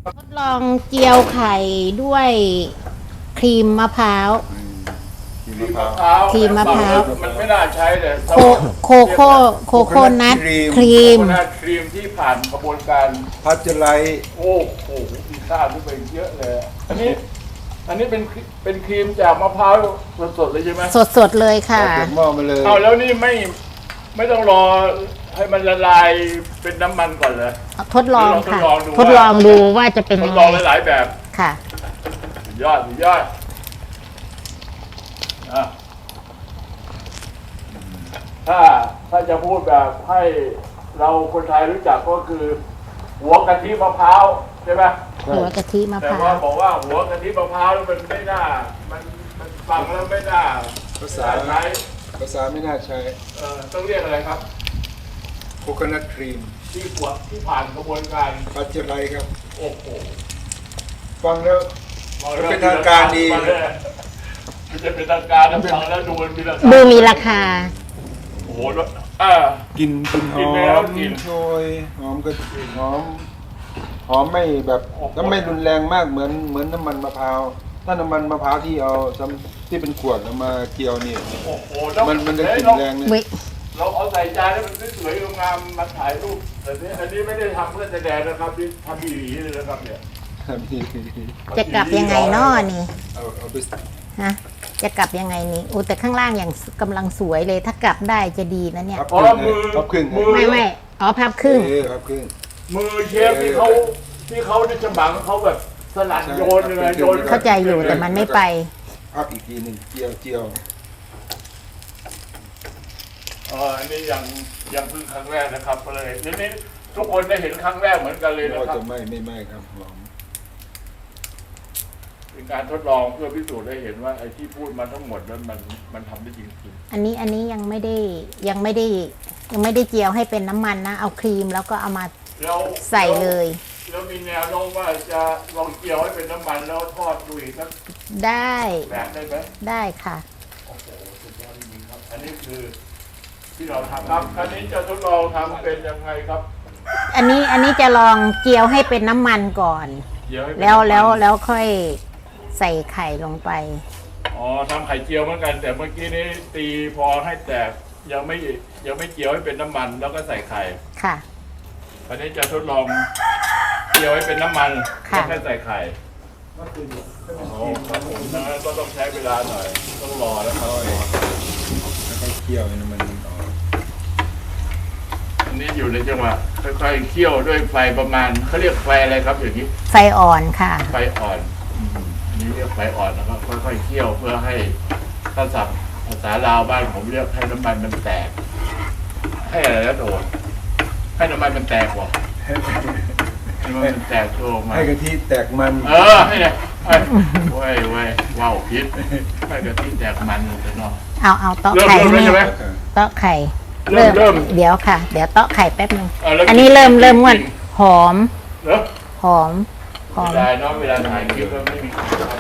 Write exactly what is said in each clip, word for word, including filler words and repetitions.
ทดลองเจียวไข่ด้วยครีมมะพร้าวครีมมะพร้าวครีมมะพร้าวมันไม่น่าใช้เลยโคโคโค่โคโค่นัทครีมโคโคนัทครีมที่ผ่านกระบวนการพัชไลท์โอ้โหมีค่าขึ้นไปเยอะเลย อันนี้ อันนี้เป็นเป็นครีมจากมะพร้าวสดๆเลยใช่ไหมสดๆเลยค่ะเปิดหม้อมาเลยเอาแล้วนี่ไม่ไม่ต้องรอให้มันละลายเป็นน้ำมันก่อนเลยทดลองค่ะทดลองดูทดลองดูว่าจะเป็นทยัดงลองไงหลายๆแบบค่ะสุดยอดสุดยอดอ่ะถ้าถ้าจะพูดแบบให้เราคนไทยรู้จักก็คือ หัวกะทิมะพร้าวใช่ไหมหัวกะทิมะแต่พร้าว่าว บอกว่าหัวกะทิมะพร้าวมันไม่น่ามันมันฟังแล้วไม่น่าภาษาใช้ภาษาไม่น่าใช้เอ่อต้องเรียกอะไรครับโคโคนัทครีมที่ขวดที่ผ่านกระบวนการพัชไลท์ครับโอ้โหฟังแล้วฟังแล้วเป็นทางการดีมันจะเป็นทางการนะฟังแล้วดูมันมีราคาดูมีราคาโอ้โหอ่ากลินกลินหกินอไปแล้วมกินโชยหอมกระหอม หอมไม่แบบก็ไม่รุนแรงมากเหมือนเหมือนน้ำมันมะพร้าวถ้าน้ำมันมะพร้าวที่เอาทำที่เป็นขวดเอามาเจียวนี่โอ้โหแล้วมันมันจะกลิ่นเราแรงเนี่ยวิเราเอาใส่จานแล้วมันสวยๆงามๆมาถ่ายรูปแต่นี้อันนี้ไม่ได้ทำเพื่อแสดงนะครับนี่ทำดีๆเลยนะครับเนี่ยจะกลับยังไงน้อนี่เอาเอาไปฮะจะกลับยังไงนี่อู้แต่ข้างล่างอย่างกำลังสวยเลย ถ้ากลับได้จะดีนะเนี่ยพับเพราะครึ่ว่าง มือพับครึ่งมือไม่ไม่อ๋อพับครึ่งเออพับครึ่งมือเชฟที่เขาที่เขาในฉบังเขาแบบสลัดโยนเลยโยนเข้าใจอยู่แต่มันไม่ไปพับอีกทีหนึ่งเจียวเจียวเอออันนี้ยังยังเพิ่งครั้งแรกนะครับเลยทีนี้ทุกคนได้เห็นครั้งแรกเหมือนกันเลยนะว่าครับจะไม่ไม่ไม่ครับหอมเป็นการทดลองเพื่อพิสูจน์ให้เห็นว่าไอ้ที่พูดมาทั้งหมดนั้นมันมันทำได้จริงอันนี้อันนี้ยังไม่ได้ยังไม่ได้ยังไม่ได้เจียวให้เป็นน้ำมันนะ เอาครีมแล้วก็เอามาๆแล้วใส่เลยแล้วมีแนวโน้มว่าจะลองเจียวให้เป็นน้ำมันแล้วทอดดูอีกสักได้แบบได้ไหมได้ค่ะโอ้โหสุดยอดจริงๆครับ อันนี้คือที่เราทำครับอันนี้จะทดลองทำเป็นยังไงครับอันนี้อันนี้จะลองเจียวให้เป็นน้ำมันก่อนเจียวให้เป็นแล้วน้ำมันแล้วแล้วค่อยใส่ไข่ลงไปอ๋อทำไข่เจียวเหมือนกัน แต่เมื่อกี้นี้ตีพอให้แตกยังไม่ยังไม่เจียวให้เป็นน้ำมันแล้วก็ใส่ไข่ค่ะอันนี้จะทดลองเจียวให้เป็นน้ำมันค่ะแล้วแค่ใส่ไข่อ๋อครับผมนะก็ต้องใช้เวลาหน่อย ต้องรอแล้วครับแล้วก็เคี่ยวให้น้ำมันออกอันนี้อยู่ในจังหวะค่อยๆเคี่ยวด้วยไฟประมาณเขาเรียกไฟอะไรครับอย่างนี้ไฟอ่อนค่ะไฟอ่อนอืมอันนี้เรียกไฟอ่อนนะครับค่อยๆเคี่ยวเพื่อให้ถ้าศัพท์ภาษาลาวบ้านผมเรียกให้น้ำมันมันแตก ให้อะไรนะโดดให้น้ำมันมันแตกว่ะให้น้ำมันมันแตกตัวออกมาให้กะทิแตกมันเออให้เนี่ยเอ้ยเว้ยเว้ยว้าวพิษให้กะทิแตกมันเลยเนาะเอาเอาเตาะเริ่มไข่เริ่มให้แล้วใช่ไหมแม่เตาะไข่เริ่มเริ่มเดี๋ยวค่ะ เดี๋ยวเตาะไข่แป๊บนึงเอาแล้วอันนี้เริ่มกินเริ่มงวดกินหอมเนอะหอมหอมเวลาเนาะเวลาถ่ายคลิปก็ไม่มีคลิปครับ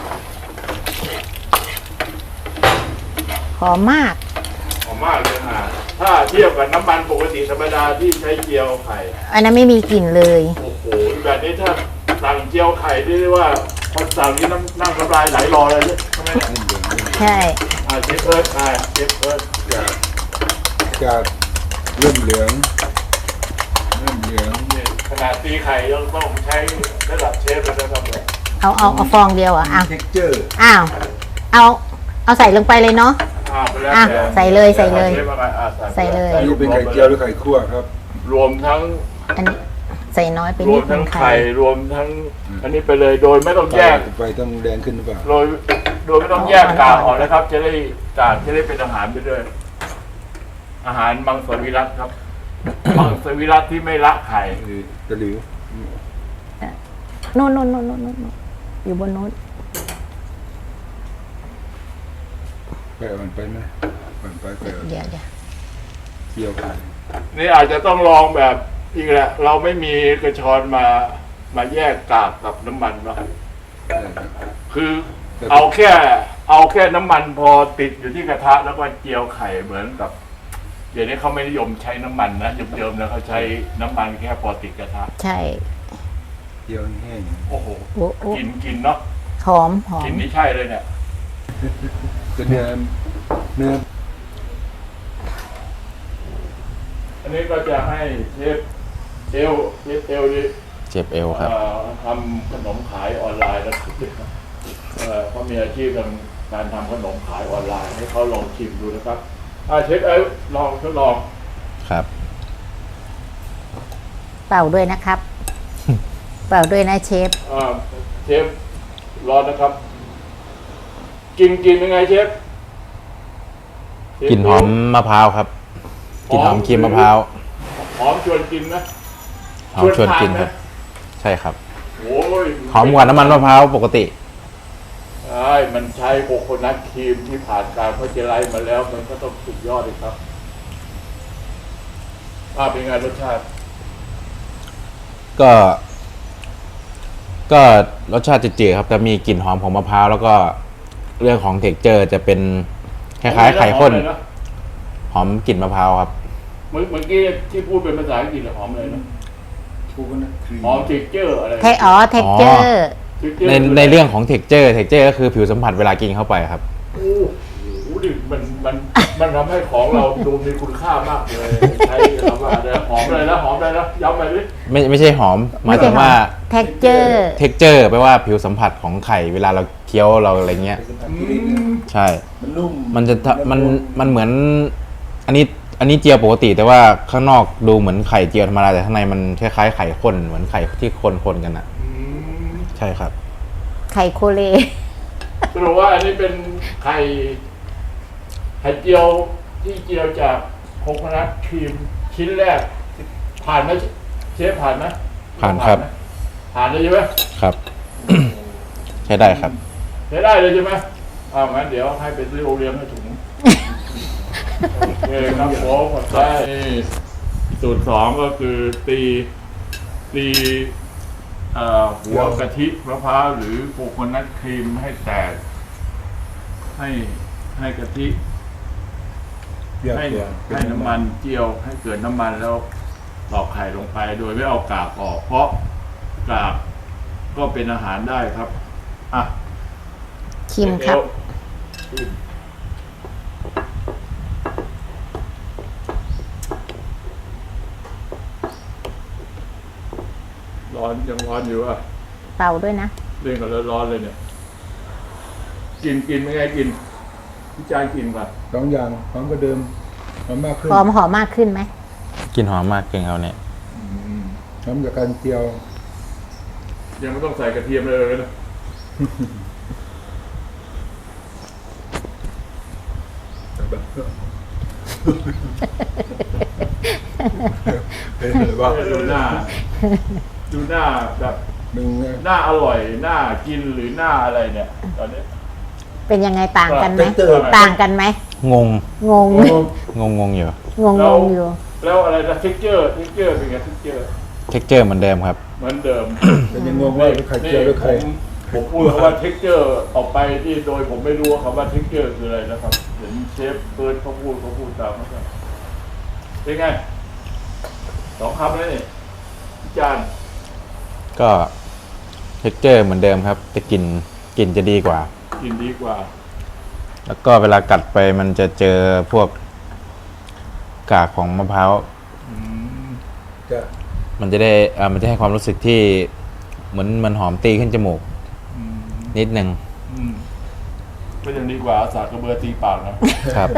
หอมมากหอมมากเลยค่ะถ้าเทียบกับน้ำมันปกติธรรมดาที่ใช้เจียวไข่อันนั้นไม่มีกลิ่นเลยโอ้โหแบบนี้ถ้าสั่งเจียวไข่ได้เรียกว่าคนสั่งนี่น้ำนั่งน้ำลายไหลรอเลยเนี่ยใช่ไหมเนี่ยใช่อ่าเชฟเอิร์ธอ่าเชฟเอิร์ธจากจากเริ่มเหลืองเริ่มเหลืองเนี่ยขนาดตีไข่ยังต้องใช้ระดับเชฟเลยนะครับเนี่ยเอาเอาเอาฟองเดียวอ่ะอ้าวเท็กเจอร์อ้าวเอาเอาใส่ลงไปเลยเนาะอ่าไปแล้วอ่ะแต่ใส่เลยใส่เลยชฟอาไปอ่ะใส่เลยอันนี้เป็นไข่เจียวหรือไข่คั่วครับรวมทั้งอันนี้ใส่น้อยไปรนิวดมนึทั้งงไข่ไข่รวมทั้งอันนี้ไปเลยโดยไม่ต้องแยกไฟต้องแดงขึ้นหรือเปล่าโดยโดยไม่ต้องแยกกากออกนะครับ จะได้กากจะได้เป็นอาหารไปด้วย อาหารมังสวิรัตครับ มังสวิรัตที่ไม่ละไข่คือตะหลิวโน่นโน่นโน่นโน่นโน่นอยู่บนโน้นไฟอ่อนไปไหมอ่อนไปไฟอ่อนเดี๋ยวเดี๋ยวเคี่ยวไปนี่อาจจะต้องลองแบบอีกแหละ เราไม่มีกระชอนมามาแยกกากกับน้ำมันเนาะได้ครับคือเอาแค่เอาแค่น้ำมันพอติดอยู่ที่กระทะแล้วก็เจียวไข่เหมือนกับ เดี๋ยวนี้เขาไม่นิยมใช้น้ำมันนะเดิมๆแล้วเขาใช้น้ำมันแค่พอติดกระทะใช่เจียวแห้งโอ้โหโอ้โอ้กินกินเนาะหอมหอกิมนนี่ใช่เลยเนี่ยจะเนื้อเนื้ออันนี้ก็จะให้เชฟเอลเชฟเอลนี่เจ็บเอวครับเอ่อทำขนมขายออนไลน์แล้วเอ่อเขามีอาชีพทางการทำขนมขายออนไลน์ให้เขาลองชิมดูนะครับอ่าเชฟเอลลองทดลองครับเป่าด้วยนะครับ เป่าด้วยนะเชฟอ่าเชฟร้อนนะครับ กินกินยังไงเชฟเชฟกลิ่นหอมมะพร้าวครับกลิ่นหอมครีมมะพร้าวหอมชวนกินนะหอมชวนกินทาครับไหมใช่ครับโอ้ยหอมกว่าน้ำมันมะพร้าวปกติใช่มันใช้โคโคนัทครีมที่ผ่านการพัชไลท์มาแล้ว มันก็ต้องสุดยอดเลยครับอ่าเป็นไงรสชาติก็ ก็รสชาติจืดๆครับจะมีกลิ่นหอมของมะพร้าวแล้วก็เรื่องของเท็กเจอร์จะเป็นคล้ายๆไข่ข้นหอมเลยะหอมกลิ่นมะพร้าวครับเมื่อเมื่อกี้ที่พูดเป็นภาษาอังกฤษเหรอหอมเลยนะชูกันนะครีมหอมเท็กเจอร์อะไรเทอ๋อเท็กเจอร์ texture ในคืะไในเรื่องของเท็กเจอร์เท็กเจอร์ก็คือผิวสัมผัสเวลากินเข้าไปครับโอ้โหดิมันมันมันทำให้ของเราดูมีคุณค่ามากเลยใช้คำว่าอะไรนะหอมเลยนะหอมเลยนะย้ำไปดิไม่ไม่ใช่หอมหมายถึงว่าเท็กเจอร์เท็กเจอร์แปลว่าผิวสัมผัสของไข่เวลาเราเคี้ยวเราอะไรเงี้ยเป็นสัมผัสที่ดีนะใช่มันนุ่มมันจะทะมันมันเหมือน อันนี้อันนี้เจียวปกติ แต่ว่าข้างนอกดูเหมือนไข่เจียวธรรมดาแต่ข้างในมันคล้ายๆไข่ข้นเหมือนไข่ที่คนๆกันอ่ะอืมใช่ครับไข่โคเลสรุปว่าอันนี้เป็นไข่ไข่เจียวที่เจียวจากโคโคนัทครีมชิ้นแรก ผ่านไหมเชฟผ่านไหมผ่านครับไหมผ่านเลยใช่ไหมครับ ใช้ได้ครับใช้ได้เลยใช่ไหมอ้าวงั้นเดี๋ยวให้ไปซื้อโอเลี้ยงให้ถุงโอเคครับผมหมดใจสูตรสองก็คือตีตีเอ่อหัวกะทิมะพร้าวหรือโคโคนัทครีมให้แตก ให้ให้กะทิเปรี้ยวให้ตัวให้น้ำมันเจียวให้เกิดน้ำมันแล้วตอกไข่ลงไปโดยไม่เอากากออก เพราะกากก็เป็นอาหารได้ครับ อ่ะคิมครับชิมร้อนยังร้อนอยู่อ่ะเป่าด้วยนะเล่นกันแล้วร้อนเลยเนี่ย กินกินไม่ไงกินพี่จานกินป่ะสองอย่างหอมก็เดิมหอมมากขึ้นหอมหอมมากขึ้นไหมกินหอมมากเก่งเขาเนี่ยหอมจากการเจียวยังไม่ต้องใส่กระเทียมเลยนะเป็นไงบ้างดูหน้า ดูหน้าแบบหนึ่งหน้าอร่อยหน้ากินหรือหน้าอะไรเนี่ย ตอนนี้เป็นยังไงต่างกันไหมเติมต่างกันไหมงงงงงงงงอยู่งงงงอยู่แล้วอะไรนะเท็กเจอร์เท็กเจอร์เป็นไงเท็กเจอร์เท็กเจอร์เหมือนเดิมครับเหมือนเดิมแต่ยังงงว่าเป็นไข่เจียวหรือไข่ผมผมพูดคำว่าเท็กเจอร์ออกไปที่โดยผมไม่รู้ว่าคำว่าเท็กเจอร์คืออะไรนะครับเห็นเชฟเปิดเขาพูดเขาพูดตามนะครับเป็นไงสองคำแล้วนี่พี่จานก็เท็กเจอร์เหมือนเดิมครับ แต่กลิ่นกลิ่นจะดีกว่ากินดีกว่าแล้วก็เวลากัดไปมันจะเจอพวกกากของมะพร้าวอืมจะมันจะได้เอ่อมันจะให้ความรู้สึกที่เหมือนมันหอมตีขึ้นจมูกอืมนิดนึงอืมก็ยังดีกว่าเอาสากกระเบือตีปากนะครับ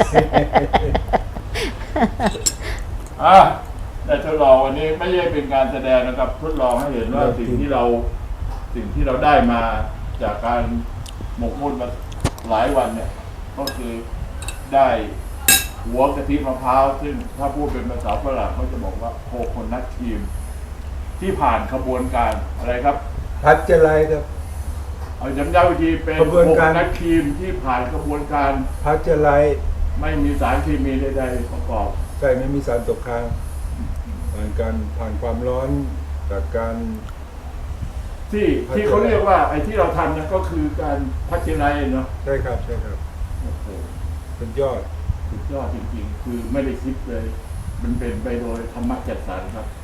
อ่ะแต่ทดลองวันนี้ไม่ใช่เป็นการแสดงนะครับ ทดลองให้เห็นว่าสิ่งที่เราสิ่งที่เราได้มาจากการหมกมุ่นมาหลายวันเนี่ย ก็คือได้หัวกะทิมะพร้าวซึ่งถ้าพูดเป็นภาษาฝรั่งเขาจะบอกว่าโคโคนัทครีมที่ผ่านขบวนการอะไรครับพัดจะไรครับเอาย้ำๆอีกทีเป็นกระบวนโคการโคนัทครีมที่ผ่านกระบวนการพัดจะไรไม่มีสารเคมีใดๆประกอบใช่ไม่มีสารตกค้างผ่านการผ่านความร้อนจากการที่ที่เขาเรียกว่าไอ้ที่เราทำนะก็คือการพัชไนเนาะใช่ครับใช่ครับโอ้โหเป็นยอดสุดยอดจริงๆ คือไม่ได้คิดเลย มันเป็นไปโดยธรรมะจัดสรรครับ